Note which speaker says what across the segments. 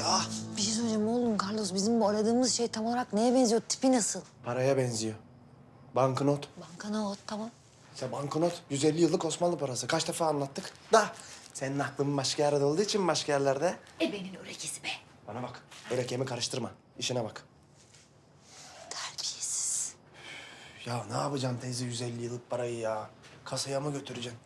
Speaker 1: ya.
Speaker 2: Bir şey söyleyeceğim oğlum Carlos. Bizim bu aradığımız şey tam olarak neye benziyor? Tipi nasıl?
Speaker 1: Paraya benziyor. Banknot.
Speaker 2: Bankana tamam.
Speaker 1: İşte banknot 150 yıllık Osmanlı parası. Kaç defa anlattık da senin aklın başka yerde olduğu için başka yerlerde.
Speaker 2: Ebenin örekisi be.
Speaker 1: Bana bak. Öyle karıştırma. İşine bak.
Speaker 2: Terbiyesiz.
Speaker 1: Ya ne yapacaksın teyze 150 yıllık parayı ya? Kasaya mı götüreceksin?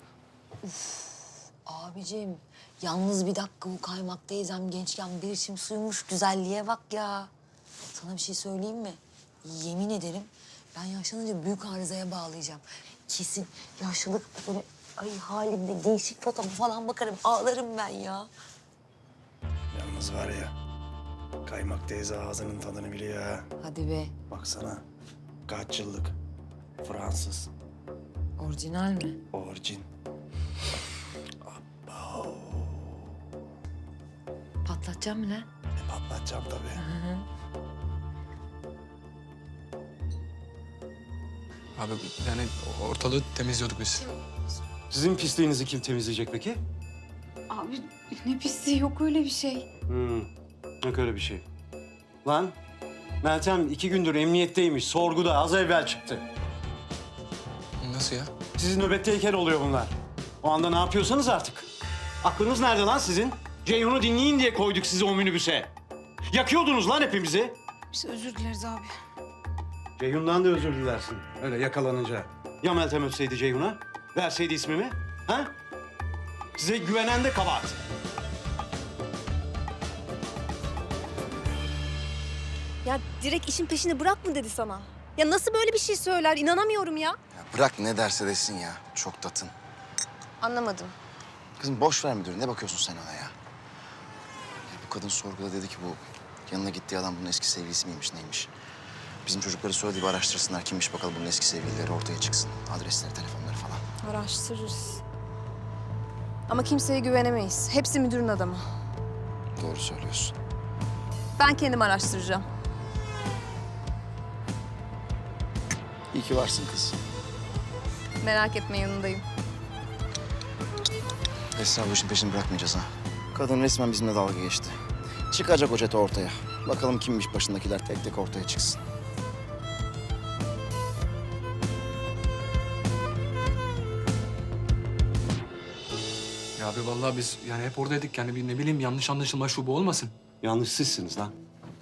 Speaker 2: Abicim yalnız bir dakika bu Kaymak teyzem gençken bir içim suymuş. Güzelliğe bak ya. Sana bir şey söyleyeyim mi? Yemin ederim ben yaşlanınca büyük arızaya bağlayacağım. Kesin yaşlılık böyle ay halimde gençlik fotoğrafı falan bakarım. Ağlarım ben ya.
Speaker 1: Yalnız var ya. Kaymak teyze ağzının tadını biliyor ha.
Speaker 2: Hadi be.
Speaker 1: Baksana. Kaç yıllık? Fransız.
Speaker 2: Orijinal mi?
Speaker 1: Orijin.
Speaker 2: Patlatacağım mı lan?
Speaker 1: Patlatacağım tabii.
Speaker 3: Abi yani ortalığı temizliyorduk biz.
Speaker 4: Sizin pisliğinizi kim temizleyecek peki?
Speaker 5: Abi ne pisliği, yok öyle bir şey.
Speaker 4: Yok öyle bir şey. Lan Meltem 2 gündür emniyetteymiş. Sorguda az evvel çıktı.
Speaker 3: Nasıl ya?
Speaker 4: Sizin nöbetteyken oluyor bunlar. O anda ne yapıyorsanız artık. Aklınız nerede lan sizin? Ceyhun'u dinleyin diye koyduk sizi o minibüse. Yakıyordunuz lan hepimizi.
Speaker 5: Biz özür dileriz abi.
Speaker 4: Ceyhun'dan da özür dilersin. Öyle yakalanınca. Ya Meltem ötseydi Ceyhun'a? Verseydi ismimi? Ha? Size güvenen de kabahat.
Speaker 6: Ya direkt işin peşini bırak mı dedi sana? Ya nasıl böyle bir şey söyler? İnanamıyorum ya.
Speaker 7: Ya bırak ne derse desin ya. Çok tatın.
Speaker 6: Anlamadım.
Speaker 7: Kızım boş ver müdürü. Ne bakıyorsun sen ona ya? Bu kadın sorguda dedi ki bu yanına gittiği adam bunun eski sevgilisi miymiş neymiş? Bizim çocukları söyledi bir araştırsınlar kimmiş bakalım bunun eski sevgilileri ortaya çıksın. Adresleri, telefonları falan.
Speaker 6: Araştırırız. Ama kimseye güvenemeyiz. Hepsi müdürün adamı.
Speaker 7: Doğru söylüyorsun.
Speaker 6: Ben kendim araştıracağım.
Speaker 7: İyi ki varsın kız.
Speaker 6: Merak etme, yanındayım.
Speaker 7: Esra bu işin peşini bırakmayacağız ha. Kadın resmen bizimle dalga geçti. Çıkacak o çete ortaya. Bakalım kimmiş başındakiler tek tek ortaya çıksın.
Speaker 3: Ya abi vallahi biz yani hep oradaydık yani bir ne bileyim yanlış anlaşılma şu bu olmasın.
Speaker 4: Yanlış sizsiniz lan.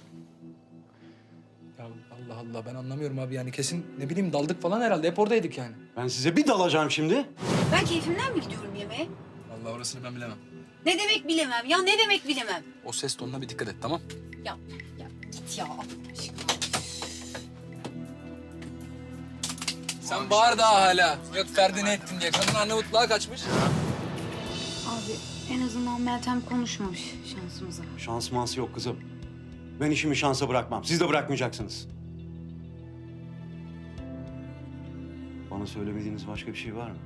Speaker 3: Ya Allah Allah ben anlamıyorum abi yani kesin ne bileyim daldık falan herhalde hep oradaydık yani.
Speaker 4: Ben size bir dalacağım şimdi.
Speaker 5: Ben keyfimden mi gidiyorum yemeğe?
Speaker 3: Vallahi orasını ben bilemem.
Speaker 5: Ne demek bilemem ya, ne demek bilemem?
Speaker 3: O ses tonuna bir dikkat et tamam?
Speaker 5: Ya git ya. Allah aşkına.
Speaker 3: Sen bağır daha hala. Yok Ferdi ne ettin diye. Kadın Arnavutluğa kaçmış.
Speaker 5: Abi en azından Meltem konuşmamış şansımıza.
Speaker 4: Şans mans yok kızım. Ben işimi şansa bırakmam. Siz de bırakmayacaksınız. Bana söylemediğiniz başka bir şey var mı?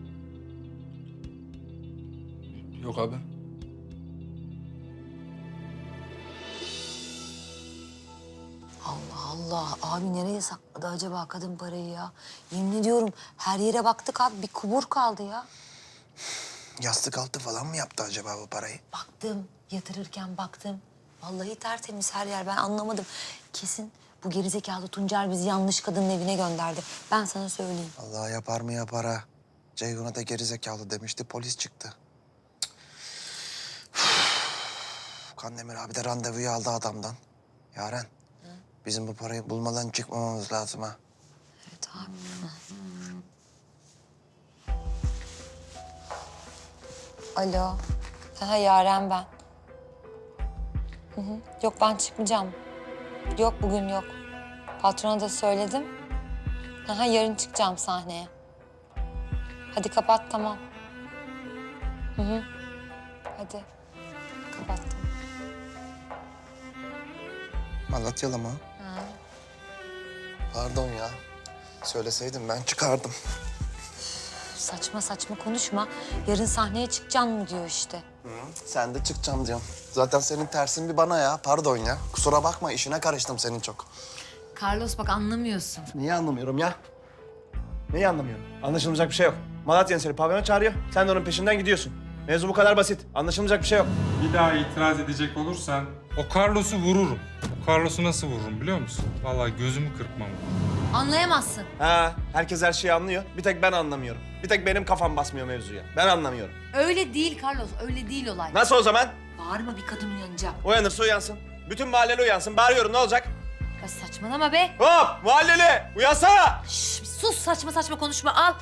Speaker 3: Yok abi.
Speaker 2: Allah Allah. Abi nereye sakladı acaba kadın parayı ya? Yemin ediyorum her yere baktık abi. Bir kubur kaldı ya.
Speaker 1: Yastık altı falan mı yaptı acaba bu parayı?
Speaker 2: Baktım, yatırırken baktım. Vallahi tertemiz her yer. Ben anlamadım. Kesin bu gerizekalı Tuncer bizi yanlış kadının evine gönderdi. Ben sana söyleyeyim.
Speaker 1: Allah yapar mı yapar ha. Ceyhun'a da gerizekalı demişti, polis çıktı. Kandemir abi de randevuyu aldı adamdan. Yaren, bizim bu parayı bulmadan çıkmamamız lazım ha.
Speaker 2: Evet abi. Alo. Ha Yaren ben. Yok ben çıkmayacağım. Yok bugün yok. Patrona da söyledim. Ha yarın çıkacağım sahneye. Hadi kapat tamam. Hadi. Kapattım.
Speaker 1: Malatyalı mı?
Speaker 2: Ha.
Speaker 1: Pardon ya. Söyleseydim ben çıkardım.
Speaker 2: Saçma saçma konuşma. Yarın sahneye çıkacağım mı diyor işte.
Speaker 1: Sen de çıkacağım diyorum. Zaten senin tersin bir bana ya. Pardon ya. Kusura bakma işine karıştım senin çok.
Speaker 2: Carlos bak anlamıyorsun.
Speaker 1: Niye anlamıyorum ya? Neyi anlamıyorum? Anlaşılmayacak bir şey yok. Malatya'nın seni pavyona çağırıyor. Sen de onun peşinden gidiyorsun.
Speaker 8: Mevzu bu kadar basit. Anlaşılmayacak bir şey yok.
Speaker 9: Bir daha itiraz edecek olursan o Carlos'u vururum. O Carlos'u nasıl vururum biliyor musun? Vallahi gözümü kırpmam.
Speaker 2: Anlayamazsın.
Speaker 8: Ha, herkes her şeyi anlıyor. Bir tek ben anlamıyorum. Bir tek benim kafam basmıyor mevzuya. Ben anlamıyorum.
Speaker 2: Öyle değil Carlos, öyle değil olay.
Speaker 8: Nasıl o zaman?
Speaker 2: Bağırma, bir kadın uyanacak.
Speaker 8: Uyanırsa uyansın. Bütün mahalleli uyansın. Bağırıyorum, ne olacak?
Speaker 2: Ya saçmalama be.
Speaker 8: Hop! Mahalleli! Uyansana!
Speaker 2: Şş, bir sus, saçma saçma konuşma, al.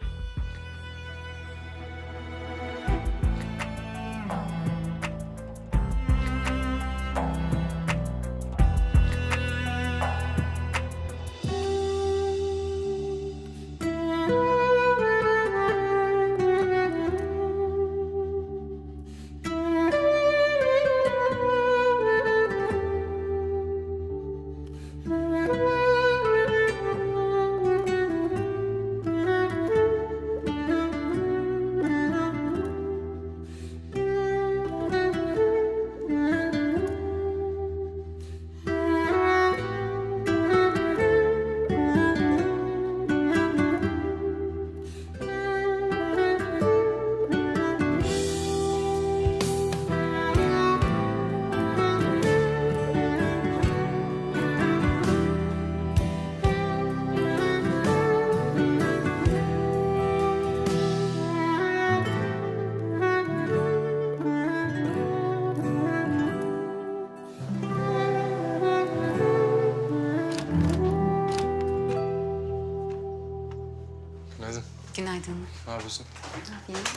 Speaker 3: Günaydın.
Speaker 5: Günaydın.
Speaker 3: Ne yapıyorsun?
Speaker 5: Ne yapayım?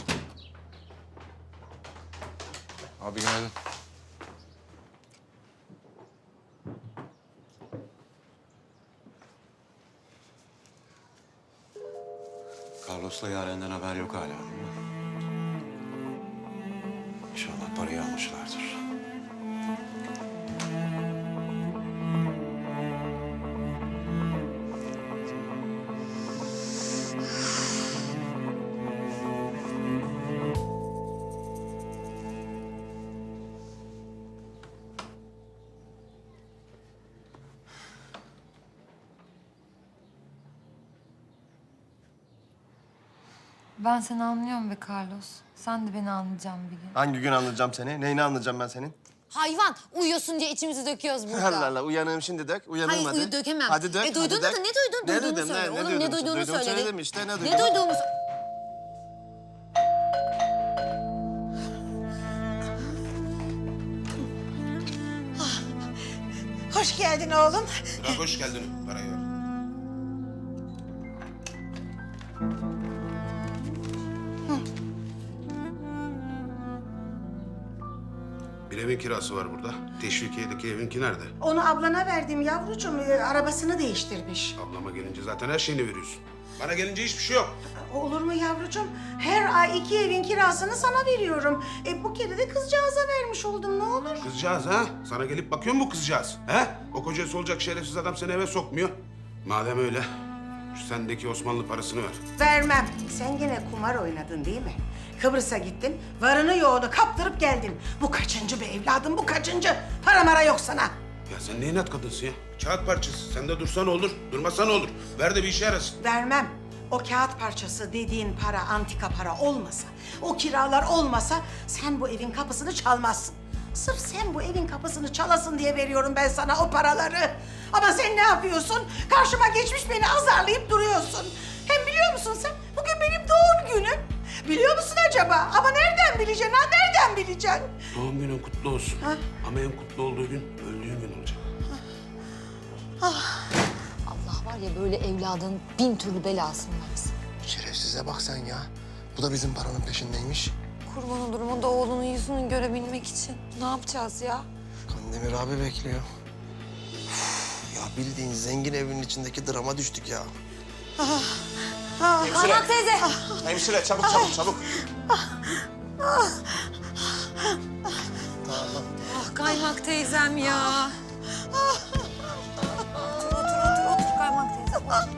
Speaker 3: Abi günaydın.
Speaker 4: Carlos'la Yaren'den haber yok hala. İnşallah parayı almışlardır.
Speaker 2: Ben seni anlıyorum be Carlos. Sen de beni anlayacaksın bir gün.
Speaker 8: Hangi gün anlayacağım seni? Neyini anlayacağım ben senin?
Speaker 2: Hayvan, uyuyorsun diye içimizi döküyoruz burada.
Speaker 8: Allah Allah, uyanığım şimdi dök. Uyanığım
Speaker 2: Hayır,
Speaker 8: hadi.
Speaker 2: dökemem.
Speaker 8: Hadi dök,
Speaker 2: duydun
Speaker 8: hadi
Speaker 2: da
Speaker 8: dök.
Speaker 2: ne duydun?
Speaker 8: Ne
Speaker 2: Duyduğunu
Speaker 8: dedim,
Speaker 2: söyle.
Speaker 8: ne
Speaker 2: Oğlum
Speaker 8: duydum?
Speaker 2: ne duyduğunu
Speaker 8: Duyduğumu
Speaker 2: söyle.
Speaker 8: söyledim işte, ne duydum?
Speaker 2: Ne duyduğumu
Speaker 10: Hoş geldin oğlum.
Speaker 11: Bırak hoş geldin. Parayı ver. Bir evin kirası var burada. Teşvikiye'deki evinki nerede?
Speaker 10: Onu ablana verdim yavrucuğum. Arabasını değiştirmiş.
Speaker 11: Ablama gelince zaten her şeyini veriyorsun. Bana gelince hiçbir şey yok.
Speaker 10: Olur mu yavrucuğum? Her ay 2 evin kirasını sana veriyorum. Bu kere de kızcağıza vermiş oldum, ne olur.
Speaker 11: Kızcağız ha? Sana gelip bakıyor mu bu kızcağız? He? O kocası olacak şerefsiz adam seni eve sokmuyor. Madem öyle, şu sendeki Osmanlı parasını ver.
Speaker 10: Vermem. Sen gene kumar oynadın değil mi? Kıbrıs'a gittin, varını yoğunu kaptırıp geldin. Bu kaçıncı be evladım, bu kaçıncı? Para mara yok sana.
Speaker 11: Ya sen ne inat kadınsın ya? Kağıt parçası. Sen de dursan olur, durmasan olur. Ver de bir işe yarasın.
Speaker 10: Vermem. O kağıt parçası dediğin para antika para olmasa, o kiralar olmasa sen bu evin kapısını çalmazsın. Sırf sen bu evin kapısını çalasın diye veriyorum ben sana o paraları. Ama sen ne yapıyorsun? Karşıma geçmiş beni azarlayıp duruyorsun. Hem biliyor musun sen? Bugün benim doğum günüm. Biliyor musun acaba? Ama nereden bileceksin ha? Nereden bileceksin?
Speaker 11: Doğum günün kutlu olsun.
Speaker 10: Ha?
Speaker 11: Ama en kutlu olduğu gün öldüğün gün olacak.
Speaker 2: Allah var ya, böyle evladın 1000 türlü belasını versin.
Speaker 1: Şerefsize bak sen ya. Bu da bizim paranın peşindeymiş.
Speaker 2: Kurban olurum o da oğlunun yüzünü görebilmek için. Ne yapacağız ya?
Speaker 1: Kandemir abi bekliyor. Üf, ya bildiğin zengin evinin içindeki drama düştük ya.
Speaker 2: Kaymak teyze.
Speaker 8: Hemşire çabuk çabuk çabuk.
Speaker 2: Ah Kaymak teyzem ya. Otur Kaymak teyze.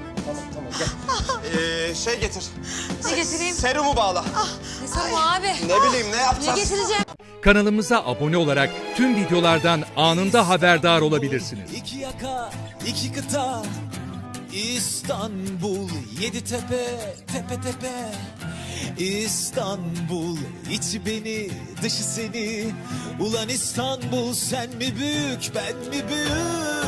Speaker 8: Şey getir.
Speaker 2: Ne getireyim?
Speaker 8: Serumu bağla.
Speaker 2: Ne soru abi?
Speaker 8: Ne bileyim ne
Speaker 2: Ne
Speaker 8: yapacağız?
Speaker 2: getireceğim?
Speaker 12: Kanalımıza abone olarak tüm videolardan anında haberdar olabilirsiniz.
Speaker 13: İki yaka, iki kıta, İstanbul, 7 tepe, tepe tepe. İstanbul, içi beni, dışı seni. Ulan İstanbul, sen mi büyük, ben mi büyük?